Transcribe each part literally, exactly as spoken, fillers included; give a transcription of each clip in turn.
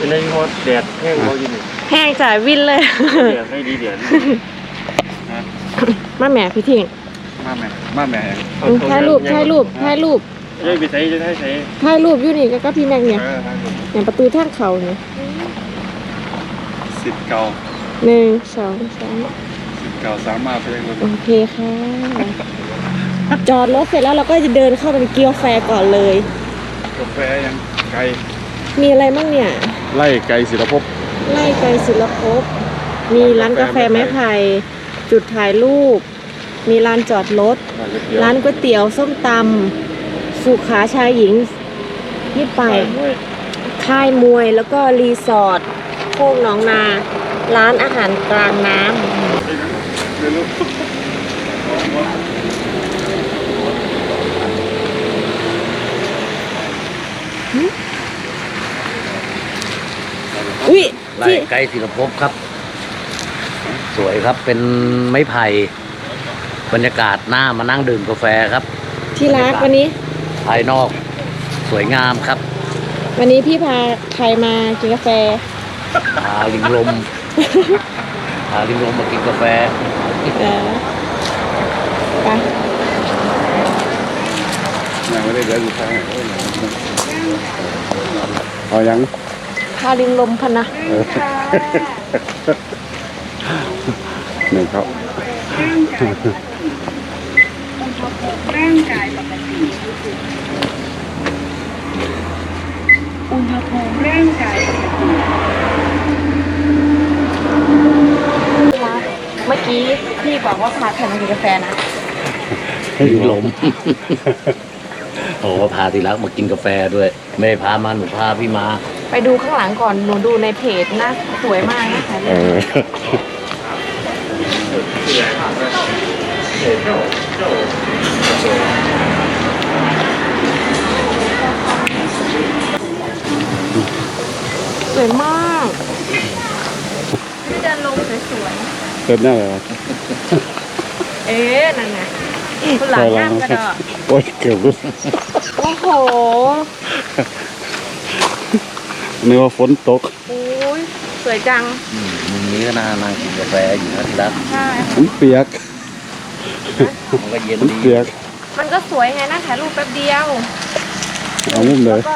เป็นไรฮอดแดดแห้งเขาอยู่นี่แห้งจ่ายวินเลยแดดให้ดีแดดมาแม่พี่ทิ้งมาแม่มาแม่ถ่ายรูปถ่ายรูปถ่ายรูปจะไปใส่จะได้ใส่ถ่ายรูปอยู่นี่ก็พี่แม็กเนี่ยอย่างประตูทางเขาเนี่ยสิบเก้าหนึ่งสองสามสิบเก้าสามมาไปเลยโอเคค่ะจอดรถเสร็จแล้วเราก็จะเดินเข้าไปกินกาแฟก่อนเลยกาแฟยังไกลมีอะไรบ้างเนี่ยไล่ไกลศิลปภพไล่ไกลศิลปภพมีร้านกาแฟไม้ไผ่จุดถ่ายรูปมีร้านจอดรถร้านก๋วยเตี๋ยวส้มตำสุขาชายหญิงนี่ไปค่ายมวยแล้วก็รีสอร์ทโคกหนองนาร้านอาหารกลางน้ำอุ้ยไร่ไกลศิลปภพครับสวยครับเป็นไม้ไผ่บรรยากาศหน้ามานั่งดื่มกาแฟครับที่รักวันนี้ภายนอกสวยงามครับวันนี้พี่พาใครมากินกาแฟพาลิงลมพาลิงลมมากินกาแฟไปยังไม่ได้เดินอยู่ทางไหนเอายังพาลิงลมพันนะหนึ่งครับร่างกายปกติอุณหภูมิร่างกายปกติเมื่อกี้พี่บอกว่าพาใครมากินกาแฟนะลิงลมโอ้พาทีรักมากินกาแฟด้วยไม่ได้พามาหนูพาพี่มาไปดูข้างหลังก่อนหนูดูในเพจนะสวยมากนะคะสวยมากพี่เดินลงสวยๆเกิดหน้าอะไรเอ๊ะนั่นไงคุณหลังน้ำกระดอกโอ้ยเกือบรู้โอ้โหนึกว่าฝนตกโอ้ยสวยจังมุมนี้ก็น่านั่งกินกาแฟอยู่นะทีรักใช่มันเปียกมันก็เย็นดีเปียกมันก็สวยไงนะถ่ายรูปแป๊บเดียวเอามุมเลยแล้วก็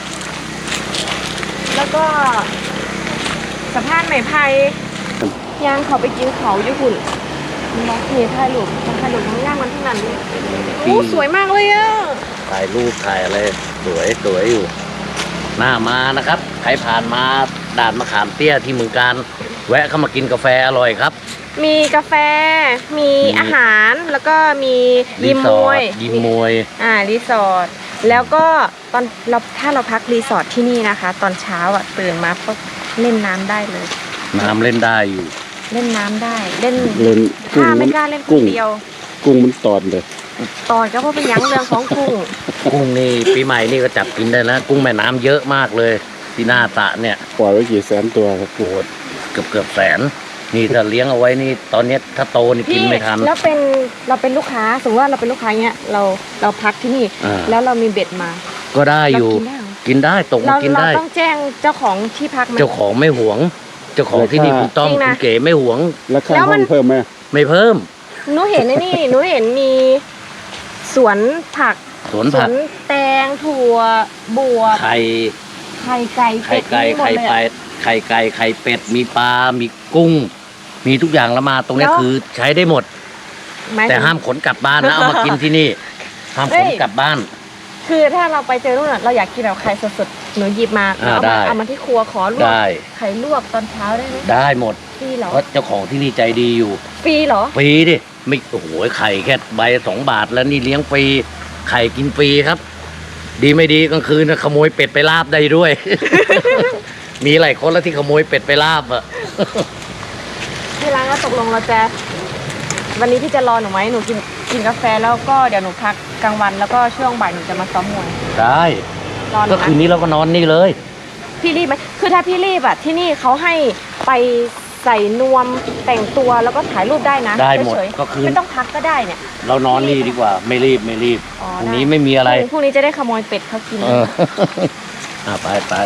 แล้วก็สะพานไม้ไผ่ยางเขาไปกินเขาอยู่หุ่นมองเพจถ่ายรูปมันถ่ายรูปมันย่างมันทั้งนั้นเลยโอ้สวยมากเลยอ่ะถ่ายรูปถ่ายอะไรสวยสวยอยู่หน้ามานะครับใครผ่านมาด่านมะขามเตี้ยที่เมืองการแวะเข้ามากินกาแฟอร่อยครับมีกาแฟมีอาหารแล้วก็มียิมมวยยิมมวยอ่ารีสอร์ทแล้วก็ตอนเราถ้าเราพักรีสอร์ทที่นี่นะคะตอนเช้าอ่ะตื่นมาก็เล่นน้ำได้เลยน้ำเล่นได้อยู่เล่นน้ำได้เล่นเล่นถ้าไม่กล้าเล่นคนเดียวกุ้งมันตอดเลยตอดก็เพราะเป็นยั้งเรื่องของกุ้งกุ้งนี่ปีใหม่นี่ก็จับกินได้นะกุ้งแม่น้ำเยอะมากเลยที่หน้าตะเนี่ยปล่อยไว้กี่แสนตัวครับโอ้เกือบเกือบแสนนี่ถ้าเลี้ยงเอาไว้นี่ตอนนี้ถ้าโตนี่กินไม่ทันแล้วเป็นเราเป็นลูกค้าสมมติว่าเราเป็นลูกค้าเนี้ยเราเราพักที่นี่แล้วเรามีเบ็ดมาก็ได้อยู่กินได้ตกมากินได้เราต้องแจ้งเจ้าของที่พักเจ้าของไม่หวงเจ้าของที่นี่คุณต้อมคุณเก๋ไม่หวงแล้วค่าห้องเพิ่มไหมไม่เพิ่มหนูเห็นนี่หนูเห็นมีสวนผักสวนผักแตงถั่วบัวไข่ไข่ไก่ไข่ไก่ไข่เป็ดไข่ไก่ไข่เป็ดมีปลามีกุ้งมีทุกอย่างแล้วมาตรงนี้คือใช้ได้หมดแต่ห้ามขนกลับบ้านนะเอามากินที่นี่ห้ามขนกลับบ้านคือถ้าเราไปเจอนู่นเราอยากกินแบบไข่สดๆหนูหยิบมาเอามาเอามาที่ครัวขอลวกไข่ลวกตอนเช้าได้ไหมได้หมดฟรีเหรอเพราะเจ้าของที่นี่ใจดีอยู่ฟรีเหรอฟรีดิไม่โอ้โหไข่แค่ใบสองบาทแล้วนี่เลี้ยงฟรีไข่กินฟรีครับดีไม่ดีกลางคืนขโมยเป็ดไปลาบได้ด้วย มีหลายคนแล้วที่ขโมยเป็ดไปลาบอ่ะที่ร้านก็ตกลงเราจะวันนี้พี่จะรอหนูไหมหนูกินกินกาแฟแล้วก็เดี๋ยวหนูพักกลางวันแล้วก็ช่วงบ่ายหนูจะมาซ้อมมวยได้ก็คืนนี้เราก็นอนนี่เลยพี่รีบไหมคือถ้าพี่รีบอะที่นี่เขาให้ไปใส่นวมแต่งตัวแล้วก็ถ่ายรูปได้นะได้หมดก็คือไม่ต้องพักก็ได้เนี่ยเรานอนนี่ดีกว่าไม่รีบไม่รีบพรุ่งนี้ไม่มีอะไรพรุ่งนี้จะได้ขโมยเป็ดเขากินอ่าไปไป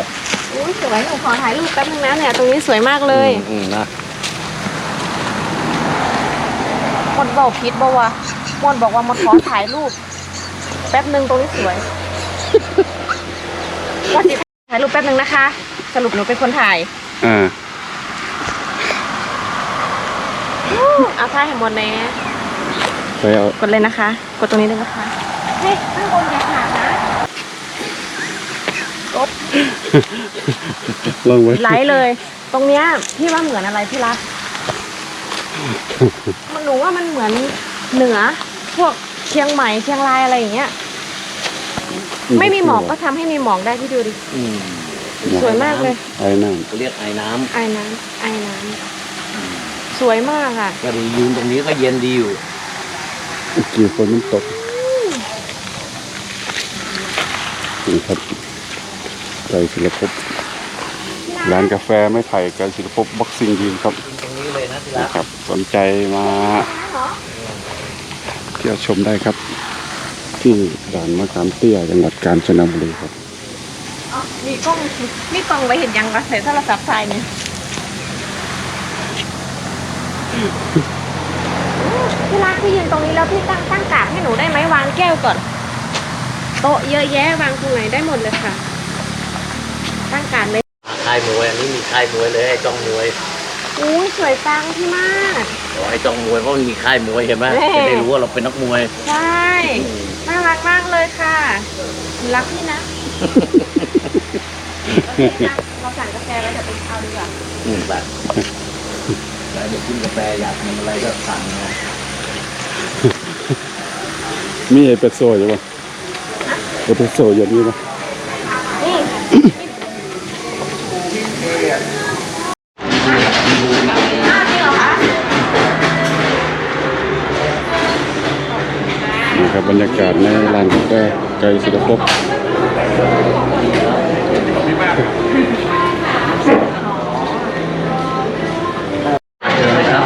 อุ้ยสวยหนูขอถ่ายรูปแป๊บนึงนะเนี่ยตรงนี้สวยมากเลยอืมนะมดบอกพิษบอกว่ามดบอกว่ามดขอถ่ายรูป แป๊บนึงตรงนี้สวย ว่าจิถ่ายรูปแป๊บนึงนะคะ สรุปหนูเป็นคนถ่ายอ่าอู้เอาถ่ายให้หมดเลยไปเอากดเลยนะคะ กดตรงนี้เลยนะคะเฮ้ยข้างบนอย่าขาดนะกดลองไว้ไหลเลย ตรงเนี้ยพี่ว่าเหมือนอะไรพี่รักมันหนูว่ามันเหมือนเหนือ พวกเชียงใหม่เชียงรายอะไรอย่างเงี้ย ไม่มีหมอกก็ทำให้มีหมอกได้พี่ดูดิอืมสวยมากเลยไอ้นั่นเขาเรียกไอ้น้ไอ้น้ำไอ้น้ำสวยมากอ่ะำก็ดียืนตรงนี้ก็เย็นดีอยู่กี่คนมันตกนี่ครับไกลศิลปภพร้านกาแฟไม่ไผ่ไกลศิลปภพบ็อกซิ่งยิมครับตรงนี้เลยนะที่รันะกครับสนใจมาเที่ยวชมได้ครับ ที่ด่านมะขามเตี้ยจังหวัดกาญจนบุรีครับอ๋อมีกล้องมีกล้องไว้เห็นยังวะใส่โทรศัพท์ถ่ายเนี่ยพี่รักพี่ยืนตรงนี้แล้วพี่ตั้งตั้งกาดให้หนูได้ไหมวางแก้วก่อน โต๊ะเยอะแยะวางตรงไหนได้หมดเลยค่ะ ตั้งกาดเลยค่ายมวยอันนี้มีค่ายมวยเลยให้จ้องมวยอู้ยสวยจังพี่มากขอให้จ้องมวยเพราะมันมีค่ายมวยเห็นไหมแม่จะได้รู้ว่าเราเป็นนักมวยใช่น่ารักมากเลยค่ะ รักพี่นะ เราสั่งกาแฟแล้วเดี๋ยวไปเอาดีกว่าอืมแบบแล้วเดี๋ยวกินกาแฟอยากทำอะไรก็สั่งนะมีเอสเปรสโซ่อยู่ป่ะเอสเปรสโซ่อย่างนี้ป่ะนี่นี่ครับบรรยากาศในร้านกาแฟไกลศิลปภพครับ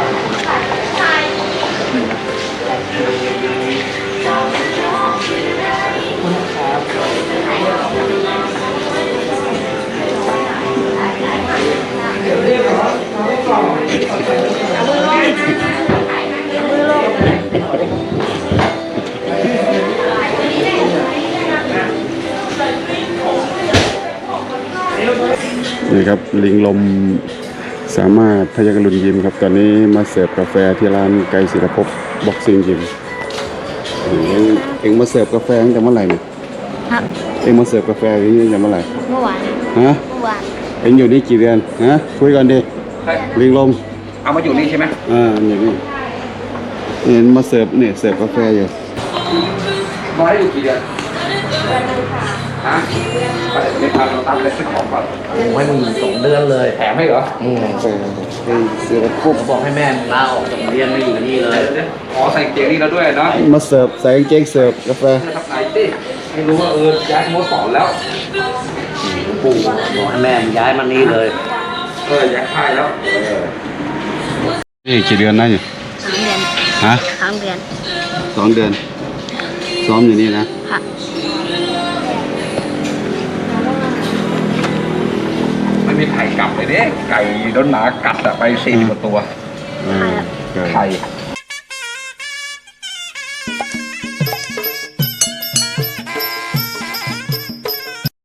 นี่ครับลิงลมสามารถพยักรุนยิมครับ ตอนนี้มาเสิร์ฟกาแฟที่ร้านไกลศิลปภพบ็อกซิ่งยิมเอ็งเอ็งมาเสิร์ฟกาแฟตั้งแต่เมื่อไหร่เนี่ยฮะเอ็งมาเสิร์ฟกาแฟที่นี่ตั้งแต่เมื่อไหร่เมื่อวานฮะเมื่อวานเอ็งอยู่นี่กี่เดือนฮะคุยกันดิลิงลมเอามาอยู่นี่ใช่ไหมอ่าอย่างนี้เห็นมาเสิร์ฟเนี่ยเสิร์ฟกาแฟอยู่มาได้อยู่กี่เดือนฮะไปไม่ทันเราตั้งเลยซื้อของก่อนไม่มีสองเดือนเลยแถมให้เหรออืมกาแฟไกลศิลปภพเขาบอกให้แม่ลาออกจากโรงเรียนมาอยู่นี่เลยอ๋อใส่เกียงนี่แล้วด้วยเนาะมาเสิร์ฟใส่กางเกงเสิร์ฟกาแฟทำไหนดิไม่รู้ว่าเออย้ายสโมสรแล้วปู่บอกให้แม่ย้ายมานี่เลยเออย้ายค่ายแล้วเออนี่กี่เดือนนะอยู่สามเดือนฮะสามเดือนสองเดือนซ้อมอยู่นี่นะค่ะไม่มีไข่กลับเลยเด้ไก่โดนหมากัดอะไปสี่สิบกว่าตัวอ่าไก่ไข่